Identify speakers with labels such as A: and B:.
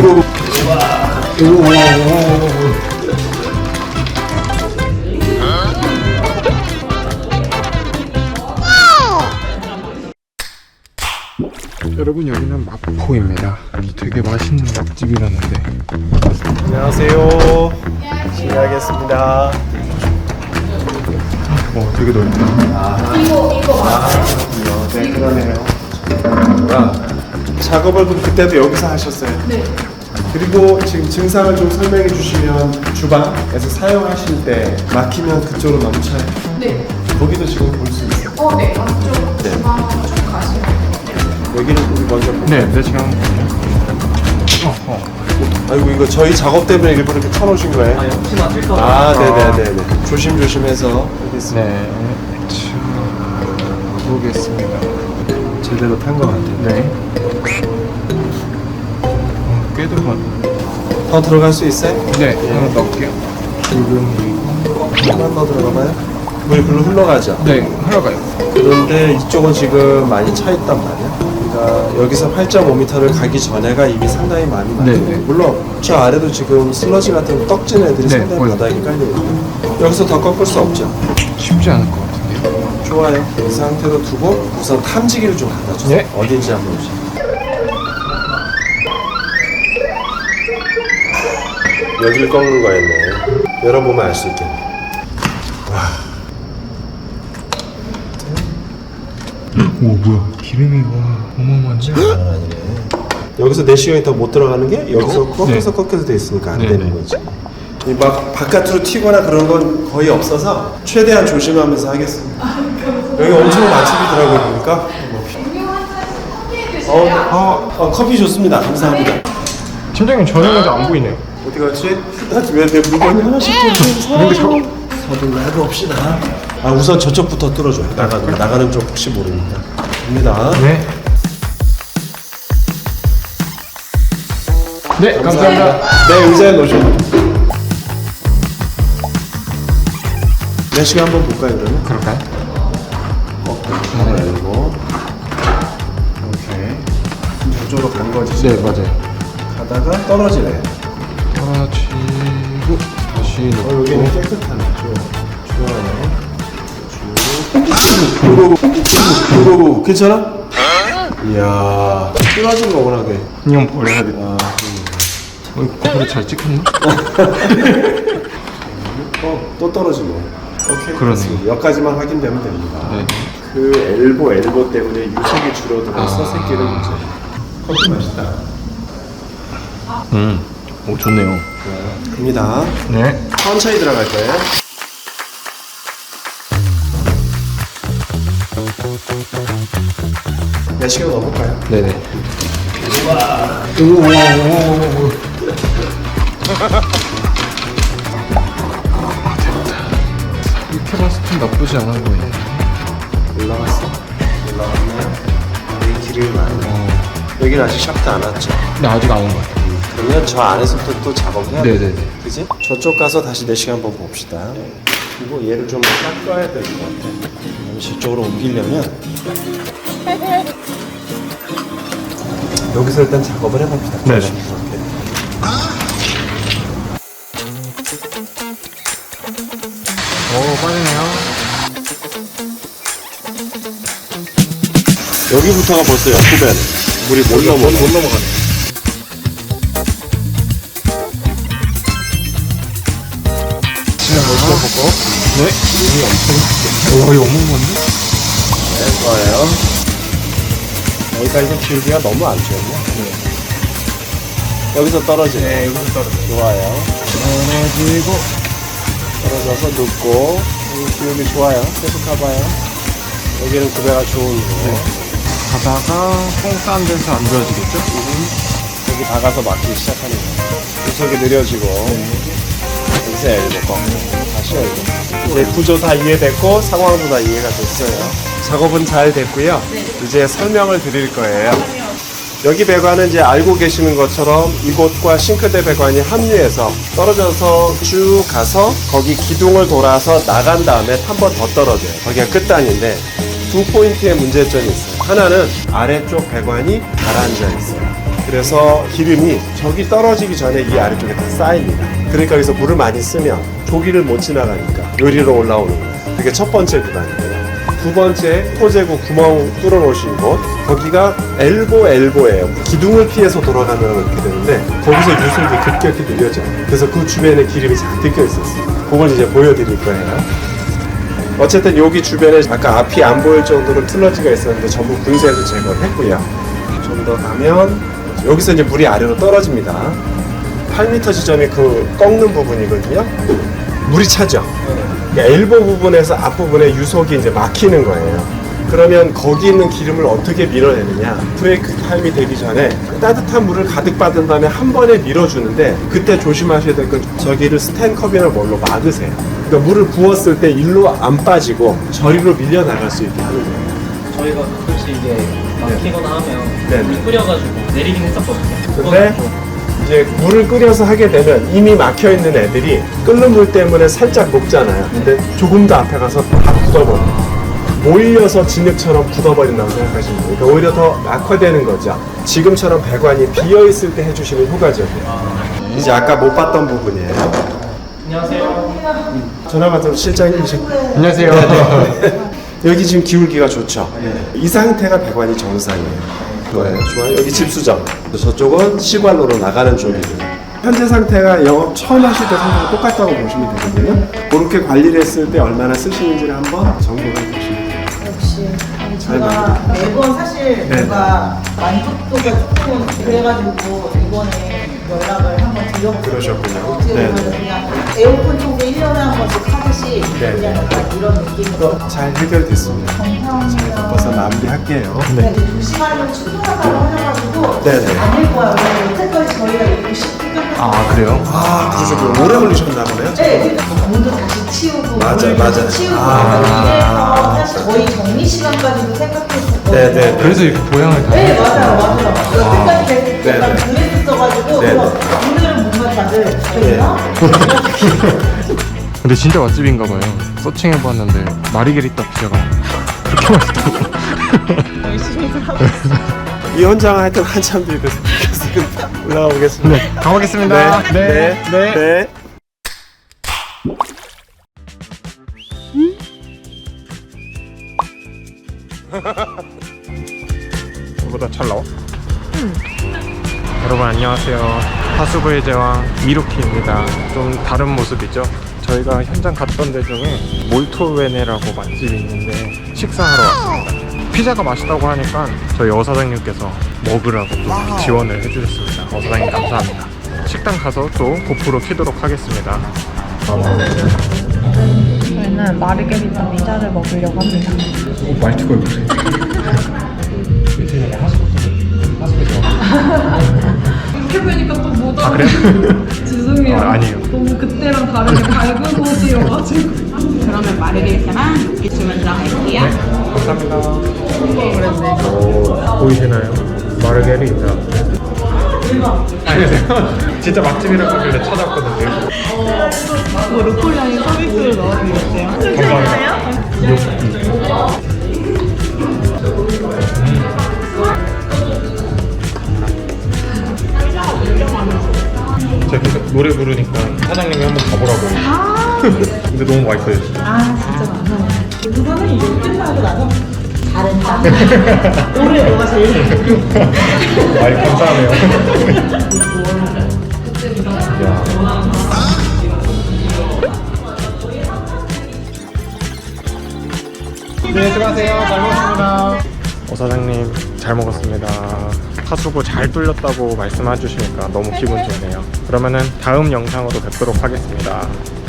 A: 여러분, 여기는 마포입니다. 되게 맛있는 맛집이라는데.
B: 안녕하세요. 실례하겠습니다.
A: 되게 넓다.
B: 네, 그러네요. 작업을 그럼 그때도 여기서 하셨어요? 네. 그리고 지금 증상을 좀 설명해 주시면 주방에서 사용하실 때 막히면 그쪽으로 넘쳐요? 네. 거기도 지금 볼 수 있어요?
C: 네. 안쪽 주방 쪽 가시면 돼요.
B: 여기는 우리 먼저 볼까요?
A: 네, 네, 지금 한번
B: 아이고, 이거 저희 작업 때문에 일부러 이렇게 쳐놓으신 거예요? 아니, 혹시나 뛸까 봐. 네네네네. 조심조심해서 여기
A: 네. 보겠습니다.
B: 제대로 탄 것 같아요.
A: 네. 꽤 들어가.
B: 더 들어갈 수 있어요?
A: 네, 하나 넣을게요.
B: 하나 더 들어가봐요. 물이 글로 흘러가죠?
A: 네, 흘러가요.
B: 그런데 이쪽은 지금 많이 차 있단 말이야. 그러니까 여기서 8.5m를 가기 전에가 이미 상당히 많이
A: 네,
B: 많아요.
A: 네.
B: 물론 저 아래도 지금 슬러지 같은 떡진 애들이
A: 네,
B: 상당히
A: 보여요.
B: 바닥에 깔려있고 여기서 더 꺾을 수 없죠.
A: 쉽지 않을 것 같은데요.
B: 좋아요. 이 상태로 두고 우선 탐지기를 좀 갖다 주세요.
A: 네.
B: 어딘지 한번 보세요. 여기를 꺾는 거였네. 열어보면 알 수 있겠네.
A: 오, 뭐야. 기름이 와, 어마어마한데?
B: 아니네. 여기서 내시경이 더 못 들어가는 게 여기서 꺾여서
A: 네.
B: 꺾여서 돼 있으니까 안
A: 네,
B: 되는
A: 네.
B: 거지. 이 막 바깥으로 튀거나 그런 건 거의 없어서 최대한 조심하면서 하겠습니다. 여기 엄청 맛집이더라고요 보니까. 커피 좋습니다. 감사합니다.
A: 팀장님, 저녁인데 안 보이네요.
B: 어디 갔지? 왜 내 물건이 하나씩 좀 서둘러 해봅시다. 우선 저쪽부터 뚫어줘요. 나가는 쪽 혹시 모르니까. 갑니다.
A: 네. 네, 감사합니다.
B: 네, 의자에 놓으셔도. 내시경 한번 볼까요, 그러면?
A: 그럴까요?
B: 하나 열고. 오케이. 저쪽으로 간 거지.
A: 네, 맞아요.
B: 가다가 떨어지네.
A: 떨어지고 다시 넣고.
B: 여기는 깨끗하네. 좋아요. 오, 괜찮아? 이야, 끊어진 거구나, 그게.
A: 그냥 버려야겠다. 그래 잘 찍혔나?
B: 또 떨어지네. 오케이.
A: 그러네.
B: 됐습니다. 여기까지만 확인되면 됩니다.
A: 네.
B: 그 엘보 때문에 유색이 줄어들어서 새끼를 문제예요. 커피 맛있다.
A: 오, 좋네요.
B: 갑니다.
A: 네.
B: 천천히 들어갈 거예요. 내시경 넣어볼까요?
A: 네네. 이렇게 봤을 땐 나쁘지 않아 보이네.
B: 올라갔어? 올라갔네. 여기 기름이 많네. 여기는 아직 샤프트 안 왔죠?
A: 근데 아직 안 온 것 같아요.
B: 그러면 저 안에서부터 또 작업해야 돼.
A: 네네네.
B: 그지? 저쪽 가서 다시 내시경 한번 봅시다. 그리고 얘를 좀 깎아야 될 것 같아. 저쪽으로 옮기려면 여기서 일단 작업을 해봅시다.
A: 네.
B: 이렇게.
A: 오, 빠지네요.
B: 여기부터가 벌써 옆구변. 물이 못 넘어가네.
A: 네. 오, 이거 어묵 건데?
B: 네, 좋아요. 여기까지 기울기가 너무 안 좋네. 여기서 떨어지네.
A: 네, 여기서 떨어져.
B: 좋아요.
A: 떨어지고.
B: 떨어져서 눕고. 여기 기울기 좋아요. 계속 가봐요. 여기는 구배가 좋은 거.
A: 가다가 뽕 싼 데서 안 좋아지겠죠?
B: 여기 박아서 막기 시작하는 거예요. 구석이 느려지고. 여기서 엘보 꺾고. 다시 엘보. 이제 구조 다 이해됐고 상황도 다 이해가 됐어요. 작업은 잘 됐고요. 이제 설명을 드릴 거예요. 여기 배관은 이제 알고 계시는 것처럼 이곳과 싱크대 배관이 합류해서 떨어져서 쭉 가서 거기 기둥을 돌아서 나간 다음에 한 번 더 떨어져요. 거기가 끝단인데 두 포인트의 문제점이 있어요. 하나는 아래쪽 배관이 가라앉아 있어요. 그래서 기름이 저기 떨어지기 전에 이 아래쪽에 다 쌓입니다. 그러니까 여기서 물을 많이 쓰면 조기를 못 지나가니까 요리로 올라오는 거예요. 그게 첫 번째 구간이에요. 두 번째 토제구 구멍 뚫어 놓으신 곳, 거기가 엘보예요. 기둥을 피해서 돌아가면 이렇게 되는데 거기서 유속이 급격히 느려져요. 그래서 그 주변에 기름이 잔뜩 껴 있었어요. 그걸 이제 보여드릴 거예요. 어쨌든 여기 주변에 아까 앞이 안 보일 정도로 툴러지가 있었는데 전부 분쇄해서 제거를 했고요. 좀 더 가면 여기서 이제 물이 아래로 떨어집니다. 8m 지점이 그 꺾는 부분이거든요. 물이 차죠. 그러니까 엘보 부분에서 앞부분에 유속이 이제 막히는 거예요. 그러면 거기 있는 기름을 어떻게 밀어내느냐? 브레이크 타임이 되기 전에 따뜻한 물을 가득 받은 다음에 한 번에 밀어주는데 그때 조심하셔야 될 건 저기를 스탠컵이나 뭘로 막으세요. 그러니까 물을 부었을 때 일로 안 빠지고 저리로 밀려 나갈 수 있게 하는 거예요.
D: 저희가 가끔씩 이게 막히거나 하면
B: 네.
D: 물 끓여가지고 내리긴 했었거든요.
B: 근데 이제 물을 끓여서 하게 되면 이미 막혀 있는 애들이 끓는 물 때문에 살짝 녹잖아요. 근데 조금 더 앞에 가서 다 굳어버려요. 몰려서 진흙처럼 굳어버린다고 생각하시면 돼요. 그러니까 오히려 더 악화되는 거죠. 지금처럼 배관이 비어 있을 때 해주시면 효과적이에요. 이제 아까 못 봤던 부분이에요.
D: 안녕하세요.
B: 전화 받은 실장님이시고.
A: 안녕하세요.
B: 여기 지금 기울기가 좋죠. 이 상태가 배관이 정상이에요. 좋아요. 여기 집수정. 저쪽은 시관로로 나가는 쪽이고요. 현재 상태가 영업 처음 하실 때 상태가 똑같다고 보시면 되거든요. 그렇게 관리를 했을 때 얼마나 쓰시는지를 한번 점검해 보시면 돼요.
C: 역시 제가 매번 사실 뭔가 만족도가 조금 그래가지고 이번에 연락을 한번 드려보고
B: 그러셨군요.
C: 어떻게 보면 그냥 에어컨 청소 1년에 한 번씩 하듯이
B: 네.
C: 그냥 약간 이런 느낌으로
B: 잘 해결됐습니다. 잘
C: 감사합니다.
B: 바꿔서 마무리할게요.
C: 네. 2시간이면 충분하다고 하셔가지고
B: 네네.
C: 아닐 거야. 왜냐면 여태까지 저희가 이렇게 쉽게 끝냈어요.
A: 아, 그래요?
B: 아, 그러셨군요. 오래 걸리셨나 보네요.
C: 네, 문도 다시 치우고
B: 맞아,
C: 물도
B: 맞아.
C: 치우고
B: 아.
C: 이래서 사실 거의 정리 시간까지도 생각했었거든요.
B: 네네.
A: 그래서 이렇게 모양을 다.
C: 네, 맞아요. 여태까지 계속
B: 네네.
C: 약간 그랬었어가지고
B: 네네.
C: 그래서 오늘은 뭔가 다들 잘했나?
A: 근데 진짜 맛집인가 봐요. 서칭해봤는데 마리게리따 피자가 그렇게 맛있다고.
B: 이 현장 하여튼 한참 뒤에 돼서 올라오겠습니다.
A: 네, 가보겠습니다.
B: 네. 네.
A: 이거보다 잘 나와? 여러분 안녕하세요. 하수구의 제왕 이루키입니다. 좀 다른 모습이죠. 저희가 현장 갔던 데 중에 몰토웨네라고 맛집이 있는데 식사하러 왔습니다. 피자가 맛있다고 하니까 저희 어사장님께서 먹으라고 또 지원을 해주셨습니다. 어사장님 감사합니다. 식당 가서 또 고프로 키도록 하겠습니다.
E: 저희는 마르게리타 피자를 먹으려고 합니다.
A: 말투가 그래.
E: 이렇게 보니까 또 못
A: 아
E: 알아.
A: 그래요?
E: 죄송해요.
A: 아니에요.
E: 너무 그때랑 다르게 밝은 옷이어가지고.
F: 그러면 마르게리타랑 육개 주문 들어갈게요.
A: 감사합니다. 오, 보이시나요? 마르게리타. 안녕하세요. 진짜 맛집이라고 하길래 찾아왔거든요.
F: 뭐 루꼴라인 서비스로 넣어드릴게요.
A: 감사합니다. 제가 계속 노래 부르니까 사장님이 한번 가보라고. 근데 너무 맛있어요 진짜.
C: 아 진짜 많아. 우선은 이제 끝나고 나서 다른 짠. 올해 뭐가 제일
A: 많이 감사하네요. 야. 네, 수고하세요. 잘 먹었습니다. 사장님, 잘 먹었습니다. 하수구 잘 뚫렸다고 말씀해 주시니까 너무 기분 좋네요. 그러면은 다음 영상으로 뵙도록 하겠습니다.